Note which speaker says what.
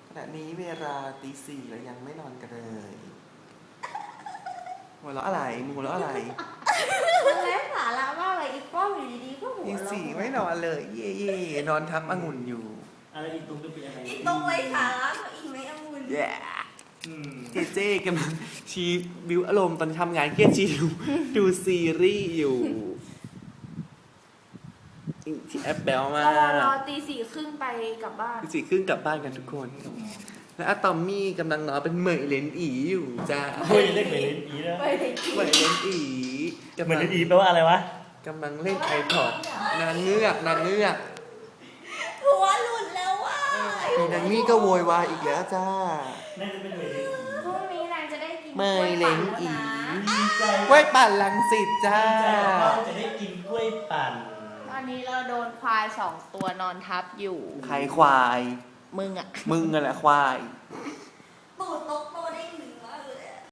Speaker 1: ขณะนี้เวลาตีสี่แล้วยังไม่นอนกันเลยหัวเราะอะไรมึงหัวเราะอะไร
Speaker 2: มันไร้สาระมากเลยอีป้อมอยู่ดีๆก็หัว
Speaker 1: ตี
Speaker 2: เราะ
Speaker 1: สี่ไม่นอนเลย เย่เย่นอนทับองุ่นอยู่
Speaker 3: อะไรอีกตรงจะเป็นอะไร
Speaker 2: อีตรงไร้สาระกว่าอีไม่องุ่น
Speaker 1: แย่
Speaker 3: อืม
Speaker 1: เจเจกำลังชีบิวอารมณ์ตอนทำงานเครียดชีดูซีรีส์อยู่ที่แอปแบลมาร
Speaker 2: อตีสี่ครึ่งไปกลับบ้าน
Speaker 1: ตีสี่ครึ่งกลับบ้านกันทุกคน และอะตอมมี่กำลังนอนเป็นเหมยเลนอีอยู่จ้า
Speaker 3: เฮ้ยเล่นเหมือนเล่นอีนะ
Speaker 2: ไปเลย
Speaker 1: เหมยเลนอี
Speaker 3: เหมือนเล่นอีแปลว่าอะไรวะ
Speaker 1: กำลังเล่นไอพอดนางเงือกนางเงือก
Speaker 2: หัวหลุดแล้วว่ะ
Speaker 1: อีนางนี่ก็โวยวายอีกแล้วจ้า
Speaker 3: น่าจะเป็นเหมือนเล่นอี
Speaker 2: พรุ่งนี้นางจะได้กิน
Speaker 1: เมยเล้งอี
Speaker 3: ดีใจ
Speaker 1: กล้วยปั่นลังสิตจ้า
Speaker 3: ดีใจว่าจะได้กินกล้วยปั่น
Speaker 2: ตอนนี้เราโดนควาย2 ตัวนอนทับอยู่
Speaker 1: ใครควาย
Speaker 2: มึงอ่ะ
Speaker 1: มึงอะแหละควาย
Speaker 2: ม